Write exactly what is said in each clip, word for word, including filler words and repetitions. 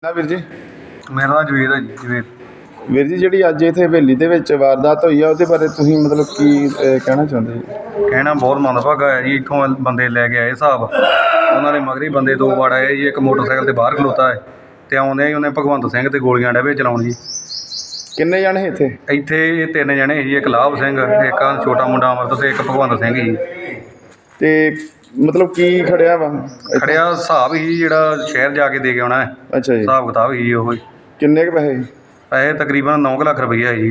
ਨਾ ਵੀਰ ਜੀ। ਮੇਰਾ ਨਾਮ ਜਵੇਦ ਹੈ ਜੀ। ਜਵੇਦ ਵੀਰ ਜੀ, ਜਿਹੜੀ ਅੱਜ ਇੱਥੇ ਹਵੇਲੀ ਦੇ ਵਿੱਚ ਵਾਰਦਾਤ ਹੋਈ ਆ ਉਹਦੇ ਬਾਰੇ ਤੁਸੀਂ ਮਤਲਬ ਕੀ ਅਹ, ਕਹਿਣਾ ਚਾਹੁੰਦੇ ਜੀ? ਕਹਿਣਾ ਬਹੁਤ ਮੰਦਭਾਗਾ ਹੈ ਜੀ। ਇੱਥੋਂ ਬੰਦੇ ਲੈ ਕੇ ਆਏ ਹਿਸਾਬ, ਉਹਨਾਂ ਦੇ ਮਗਰੀ ਬੰਦੇ ਦੋ ਵਾਰ ਆਏ ਜੀ। ਇੱਕ ਮੋਟਰਸਾਈਕਲ 'ਤੇ ਬਾਹਰ ਖਲੋਤਾ ਹੈ ਅਤੇ ਆਉਂਦੇ ਹੀ ਉਹਨੇ ਭਗਵੰਤ ਸਿੰਘ 'ਤੇ ਗੋਲੀਆਂ ਡੇਵੇ ਚਲਾਉਣ ਜੀ। ਕਿੰਨੇ ਜਾਣੇ ਸੀ ਇੱਥੇ? ਇੱਥੇ ਇਹ ਤਿੰਨ ਜਣੇ ਸੀ, ਇੱਕ ਲਾਭ ਸਿੰਘ, ਇੱਕ ਆਹ ਛੋਟਾ ਮੁੰਡਾ ਅਮਰਤ ਅਤੇ ਇੱਕ ਭਗਵੰਤ ਸਿੰਘ ਸੀ। ਤੇ ਮਤਲਬ ਕੀ ਖੜਿਆ ਵਾ ਇੱਥੇ? ਖੜਿਆ ਹਿਸਾਬ ਹੀ ਜਿਹੜਾ ਸ਼ਹਿਰ ਜਾ ਕੇ ਦੇ ਕੇ ਆਉਣਾ ਹੈ। ਅੱਛਾ ਜੀ। ਹਿਸਾਬ ਕਿਤਾਬ ਹੀ ਉਹ ਹੀ। ਕਿੰਨੇ ਕੁ ਪੈਸੇ? ਪੈਸੇ ਤਕਰੀਬਨ ਨੌ ਕੁ ਲੱਖ ਰੁਪਈਆ ਹੈ ਜੀ।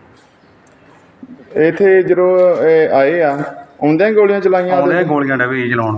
ਇੱਥੇ ਜਦੋਂ ਇਹ ਆਏ ਆ ਆਉਂਦਿਆਂ ਹੀ ਗੋਲੀਆਂ ਚਲਾਈਆਂ ਉਹਦੇ ਆਉਂਦੇ ਤੇ? ਗੋਲੀਆਂ ਡੇਵੇ ਜੀ ਚਲਾਉਣ।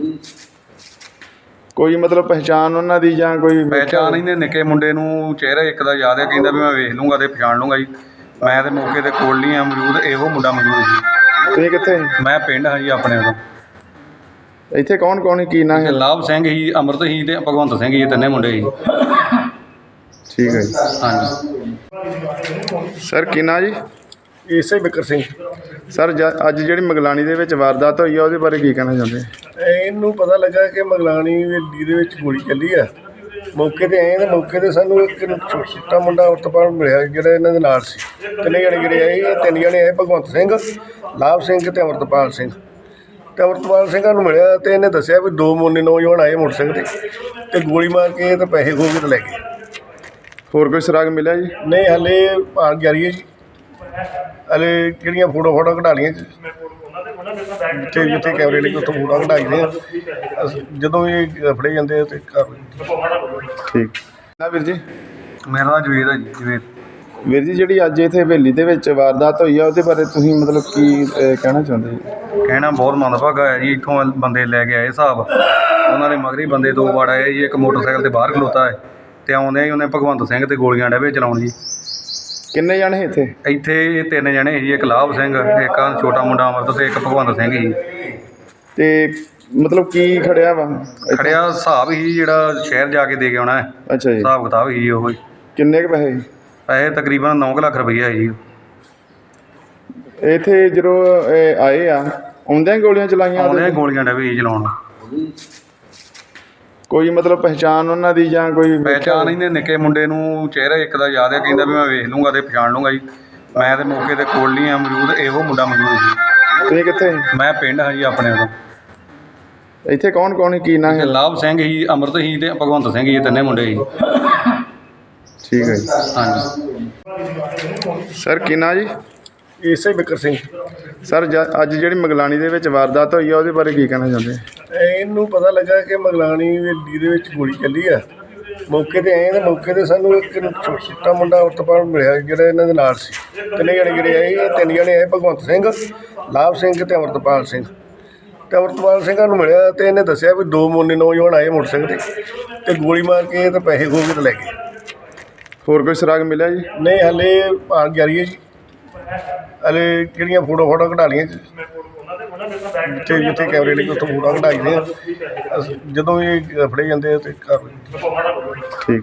ਕੋਈ ਮਤਲਬ ਪਹਿਚਾਣ ਉਹਨਾਂ ਦੀ ਜਾਂ ਕੋਈ ਪਹਿਚਾਣ ਇਹਨੇ ਨਿੱਕੇ ਮੁੰਡੇ ਨੂੰ ਚਿਹਰਾ ਇੱਕ ਦਾ ਯਾਦ ਹੈ, ਕਹਿੰਦਾ ਵੀ ਮੈਂ ਵੇਖ ਲੂੰਗਾ ਅਤੇ ਪਛਾਣ ਲੂੰਗਾ ਜੀ। ਮੈਂ ਤਾਂ ਮੌਕੇ 'ਤੇ ਕੋਲ ਨਹੀਂ ਆ ਮੌਜੂਦ, ਇਹੋ ਮੁੰਡਾ ਮੌਜੂਦ ਜੀ। ਤੁਸੀਂ ਕਿੱਥੇ? ਮੈਂ ਪਿੰਡ ਹਾਂ ਜੀ ਆਪਣੇ ਉਦੋਂ। ਇੱਥੇ ਕੌਣ ਕੌਣ ਸੀ, ਕੀ ਨਾਂ ਹੈ? ਲਾਭ ਸਿੰਘ ਸੀ, ਅਮਰਤ ਸੀ ਅਤੇ ਭਗਵੰਤ ਸਿੰਘ ਜੀ, ਇਹ ਤਿੰਨੇ ਮੁੰਡੇ ਸੀ। ਠੀਕ ਹੈ ਜੀ। ਹਾਂਜੀ ਸਰ ਕੀ ਨਾਂ ਜੀ? ਇਸੇ ਬਿਕਰ ਸਿੰਘ। ਸਰ ਜ ਅੱਜ ਜਿਹੜੀ ਮਗਲਾਣੀ ਦੇ ਵਿੱਚ ਵਾਰਦਾਤ ਹੋਈ ਆ ਉਹਦੇ ਬਾਰੇ ਕੀ ਕਹਿਣਾ ਚਾਹੁੰਦੇ? ਇਹਨੂੰ ਪਤਾ ਲੱਗਾ ਕਿ ਮਗਲਾਣੀ ਹਵੇਲੀ ਦੇ ਵਿੱਚ ਗੋਲੀ ਚੱਲੀ ਆ। ਮੌਕੇ 'ਤੇ ਆਏ ਤਾਂ ਮੌਕੇ 'ਤੇ ਸਾਨੂੰ ਇੱਕ ਛੋਟਾ ਮੁੰਡਾ ਉਤਪਾਲ ਮਿਲਿਆ ਜਿਹੜਾ ਇਹਨਾਂ ਦੇ ਨਾਲ ਸੀ। ਤਿੰਨੇ ਜਣੇ ਜਿਹੜੇ ਆਏ, ਇਹ ਤਿੰਨ ਜਣੇ ਆਏ, ਭਗਵੰਤ ਸਿੰਘ, ਲਾਭ ਸਿੰਘ ਅਤੇ ਅਮਰਤਪਾਲ ਸਿੰਘ। ਅਤੇ ਅਮਰਤਪਾਲ ਸਿੰਘਾਂ ਨੂੰ ਮਿਲਿਆ ਅਤੇ ਇਹਨੇ ਦੱਸਿਆ ਵੀ ਦੋ ਮੋਨੇ ਨੌਜਵਾਨ ਆਏ ਮੋਟਰਸਾਈਕਲ 'ਤੇ ਅਤੇ ਗੋਲੀ ਮਾਰ ਕੇ ਅਤੇ ਪੈਸੇ ਖੋਹ ਕੇ ਤੇ ਲੈ ਗਏ। ਹੋਰ ਕੋਈ ਸੁਰਾਗ ਮਿਲਿਆ ਜੀ? ਨਹੀਂ, ਹਾਲੇ ਭਾਲ ਜਾਰੀ ਹੈ ਜੀ। ਹਾਲੇ ਜਿਹੜੀਆਂ ਫੋਟੋ ਫੋਟੋ ਕਢਾ ਲਈਆਂ ਜਿੱਥੇ ਜਿੱਥੇ ਕੈਮਰੇ ਲੱਗੇ ਉੱਥੋਂ ਫੋਟੋ ਕਢਾਈਆਂ ਆ। ਅਸੀਂ ਜਦੋਂ ਇਹ ਫੜੇ ਜਾਂਦੇ ਆ ਅਤੇ ਕਰ ਠੀਕ ਨਾ ਵੀਰ ਜੀ। ਮੇਰਾ ਨਾਮ ਜਵੇਦ ਹੈ ਜੀ। ਜਵੇਦ ਵੀਰ ਜੀ, ਜਿਹੜੀ ਅੱਜ ਇੱਥੇ ਹਵੇਲੀ ਦੇ ਵਿੱਚ ਵਾਰਦਾਤ ਹੋਈ ਆ ਉਹਦੇ ਬਾਰੇ ਤੁਸੀਂ ਮਤਲਬ ਕੀ ਅਹ, ਕਹਿਣਾ ਚਾਹੁੰਦੇ ਜੀ? ਕਹਿਣਾ ਬਹੁਤ ਮੰਦਭਾਗਾ ਹੈ ਜੀ। ਇੱਥੋਂ ਬੰਦੇ ਲੈ ਕੇ ਆਏ ਹਿਸਾਬ, ਉਹਨਾਂ ਦੇ ਮਗਰੀ ਬੰਦੇ ਦੋ ਵਾਰ ਆਏ ਜੀ। ਇੱਕ ਮੋਟਰਸਾਈਕਲ 'ਤੇ ਬਾਹਰ ਖਲੋਤਾ ਹੈ ਅਤੇ ਆਉਂਦੇ ਹੀ ਉਹਨੇ ਭਗਵੰਤ ਸਿੰਘ 'ਤੇ ਗੋਲੀਆਂ ਡੇਵੇ ਚਲਾਉਣ ਜੀ। ਕਿੰਨੇ ਜਾਣੇ ਸੀ ਇੱਥੇ? ਇੱਥੇ ਇਹ ਤਿੰਨ ਜਣੇ ਸੀ, ਇੱਕ ਲਾਭ ਸਿੰਘ, ਇੱਕ ਆਹ ਛੋਟਾ ਮੁੰਡਾ ਅਮਰਤ ਅਤੇ ਇੱਕ ਭਗਵੰਤ ਸਿੰਘ ਸੀ। ਤੇ ਮਤਲਬ ਕੀ ਖੜਿਆ ਵਾ ਇੱਥੇ? ਖੜਿਆ ਹਿਸਾਬ ਹੀ ਜਿਹੜਾ ਸ਼ਹਿਰ ਜਾ ਕੇ ਦੇ ਕੇ ਆਉਣਾ ਹੈ। ਅੱਛਾ ਜੀ। ਹਿਸਾਬ ਕਿਤਾਬ ਹੀ ਉਹ ਹੀ। ਕਿੰਨੇ ਕੁ ਪੈਸੇ? ਪੈਸੇ ਤਕਰੀਬਨ ਨੌ ਕੁ ਲੱਖ ਰੁਪਈਆ ਹੈ ਜੀ। ਇੱਥੇ ਜਦੋਂ ਇਹ ਆਏ ਆ ਆਉਂਦਿਆਂ ਹੀ ਗੋਲੀਆਂ ਚਲਾਈਆਂ ਉਹਦੇ ਆਉਂਦੇ ਤੇ? ਗੋਲੀਆਂ ਡੇਵੇ ਜੀ ਚਲਾਉਣ। ਕੋਈ ਮਤਲਬ ਪਹਿਚਾਣ ਉਹਨਾਂ ਦੀ ਜਾਂ ਕੋਈ ਪਹਿਚਾਣ ਇਹਨੇ ਨਿੱਕੇ ਮੁੰਡੇ ਨੂੰ ਚਿਹਰਾ ਇੱਕ ਦਾ ਯਾਦ ਹੈ, ਕਹਿੰਦਾ ਵੀ ਮੈਂ ਵੇਖ ਲੂੰਗਾ ਅਤੇ ਪਛਾਣ ਲੂੰਗਾ ਜੀ। ਮੈਂ ਤਾਂ ਮੌਕੇ 'ਤੇ ਕੋਲ ਨਹੀਂ ਆ ਮੌਜੂਦ, ਇਹੋ ਮੁੰਡਾ ਮੌਜੂਦ ਜੀ। ਤੁਸੀਂ ਕਿੱਥੇ? ਮੈਂ ਪਿੰਡ ਹਾਂ ਜੀ ਆਪਣੇ ਉਦੋਂ। ਇੱਥੇ ਕੌਣ ਕੌਣ ਸੀ, ਕੀ ਨਾਂ ਹੈ? ਲਾਭ ਸਿੰਘ ਸੀ, ਅਮਰਤ ਸੀ ਅਤੇ ਭਗਵੰਤ ਸਿੰਘ ਜੀ, ਇਹ ਤਿੰਨੇ ਮੁੰਡੇ ਸੀ। ਠੀਕ ਹੈ ਜੀ। ਹਾਂਜੀ ਸਰ ਕੀ ਨਾਂ ਜੀ? ਇਸੇ ਬਿਕਰ ਸਿੰਘ। ਸਰ ਜ ਅੱਜ ਜਿਹੜੀ ਮਗਲਾਣੀ ਦੇ ਵਿੱਚ ਵਾਰਦਾਤ ਹੋਈ ਆ ਉਹਦੇ ਬਾਰੇ ਕੀ ਕਹਿਣਾ ਚਾਹੁੰਦੇ? ਇਹਨੂੰ ਪਤਾ ਲੱਗਾ ਕਿ ਮਗਲਾਣੀ ਹਵੇਲੀ ਦੇ ਵਿੱਚ ਗੋਲੀ ਚੱਲੀ ਆ। ਮੌਕੇ 'ਤੇ ਆਏ ਤਾਂ ਮੌਕੇ 'ਤੇ ਸਾਨੂੰ ਇੱਕ ਛੋਟਾ ਮੁੰਡਾ ਉਤਪਾਲ ਮਿਲਿਆ ਜਿਹੜਾ ਇਹਨਾਂ ਦੇ ਨਾਲ ਸੀ। ਤਿੰਨੇ ਜਣੇ ਜਿਹੜੇ ਆਏ, ਇਹ ਤਿੰਨ ਜਣੇ ਆਏ, ਭਗਵੰਤ ਸਿੰਘ, ਲਾਭ ਸਿੰਘ ਅਤੇ ਅਮਰਤਪਾਲ ਸਿੰਘ। ਅਤੇ ਅਮਰਤਪਾਲ ਸਿੰਘਾਂ ਨੂੰ ਮਿਲਿਆ ਅਤੇ ਇਹਨੇ ਦੱਸਿਆ ਵੀ ਦੋ ਮੋਨੇ ਨੌਜਵਾਨ ਆਏ ਮੋਟਰਸਾਈਕਲ 'ਤੇ ਅਤੇ ਗੋਲੀ ਮਾਰ ਕੇ ਅਤੇ ਪੈਸੇ ਖੋਹ ਕੇ ਤੇ ਲੈ ਗਏ। ਹੋਰ ਕੋਈ ਸੁਰਾਗ ਮਿਲਿਆ ਜੀ? ਨਹੀਂ, ਹਾਲੇ ਭਾਲ ਜਾਰੀ ਹੈ ਜੀ। ਹਾਲੇ ਜਿਹੜੀਆਂ ਫੋਟੋ ਫੋਟੋ ਕਢਾ ਲਈਆਂ ਜਿੱਥੇ ਜਿੱਥੇ ਕੈਮਰੇ ਲੱਗੇ ਉੱਥੋਂ ਫੋਟੋ ਕਢਾਈਆਂ ਆ। ਅਸੀਂ ਜਦੋਂ ਇਹ ਫੜੇ ਜਾਂਦੇ ਆ ਅਤੇ ਕਰ ਠੀਕ।